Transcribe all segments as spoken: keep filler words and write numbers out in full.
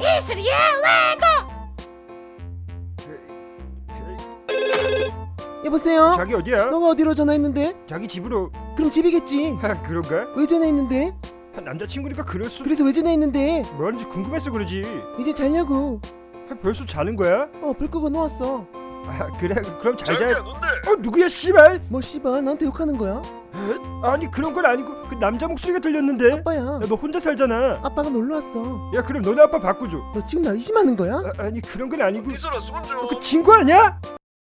이슬이의 외고. 여보세요? 자기 어디야? 너가 어디로 전화했는데? 자기 집으로. 그럼 집이겠지. 하, 그런가? 왜 전화했는데? 남자친구니까 그럴 수. 그래서 왜 전화했는데? 뭐하는지 궁금해서 그러지. 이제 자려고. 아, 벌써 자는 거야? 어, 불 끄고 놓았어. 아, 그래 그럼 잘 자기야 자. 넌데 어 누구야 씨발? 뭐 씨발 나한테 욕하는 거야? 아니 그런 건 아니고 그 남자 목소리가 들렸는데. 아빠야. 야, 너 혼자 살잖아. 아빠가 놀러 왔어. 야 그럼 너네 아빠 바꿔줘. 너 지금 나 의심하는 거야? 아, 아니 그런 건 아니고. 이슬아 손 좀. 그 친구 아니야?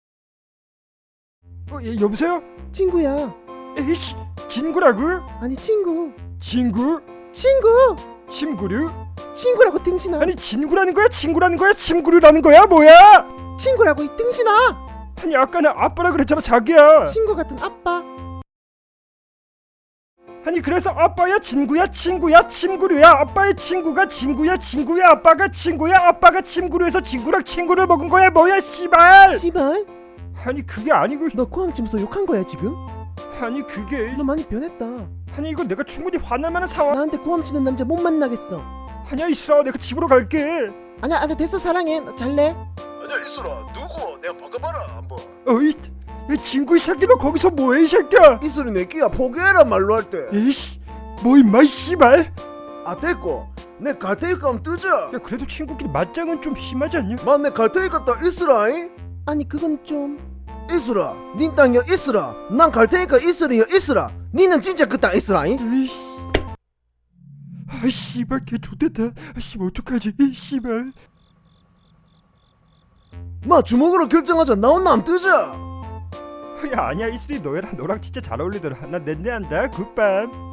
어, 예, 여보세요? 친구야. 에이씨, 친구라고? 아니 친구. 친구? 친구. 친구류? 친구라고 등신아. 아니 친구라는 거야? 친구라는 거야? 친구류라는 거야? 뭐야? 친구라고 이 등신아. 아니 아까는 아빠라 그랬잖아 자기야. 친구 같은 아빠. 아니 그래서 아빠야 친구야 친구야 친구류야. 아빠의 친구가 친구야 친구야. 아빠가 친구야 아빠가 친구류에서 친구랑 친구를 먹은 거야 뭐야 씨발. 씨발. 아니 그게 아니고. 너 코암 치면서 욕한 거야 지금? 아니 그게. 너 많이 변했다. 아니 이거 내가 충분히 화날 만한 상황. 나한테 코암 치는 남자 못 만나겠어. 아니야 이슬아 내가 집으로 갈게. 아니야 아니야 됐어 사랑해. 나 잘래. 아니야 이슬아 누구? 내가 바꿔봐라 한번. 어이 이 친구 이 새끼 너 거기서 뭐해 이 새끼야. 이슬이 내 끼야 포기해라 말로 할 때. 에이씨 뭐 임마 이 씨발. 아 됐고 내 갈 테니까 한번 뜨자. 야 그래도 친구끼리 맞짱은 좀 심하지 않냐? 만내 갈 테니까 딱 이슬아잉. 아니 그건 좀. 이슬아 닌 땅이여 이슬아. 난 갈 테니까 이슬이여 이슬아. 니는 진짜 그 땅 이슬아잉. 에이씨 아 씨발 걔 좋댔다. 아 씨발 어떡하지 이 씨발. 마 주먹으로 결정하자. 나 혼나 한번 뜨자. 야 아니야 이슬이 너랑 너랑 진짜 잘 어울리더라. 나 낸내한다 굿밤.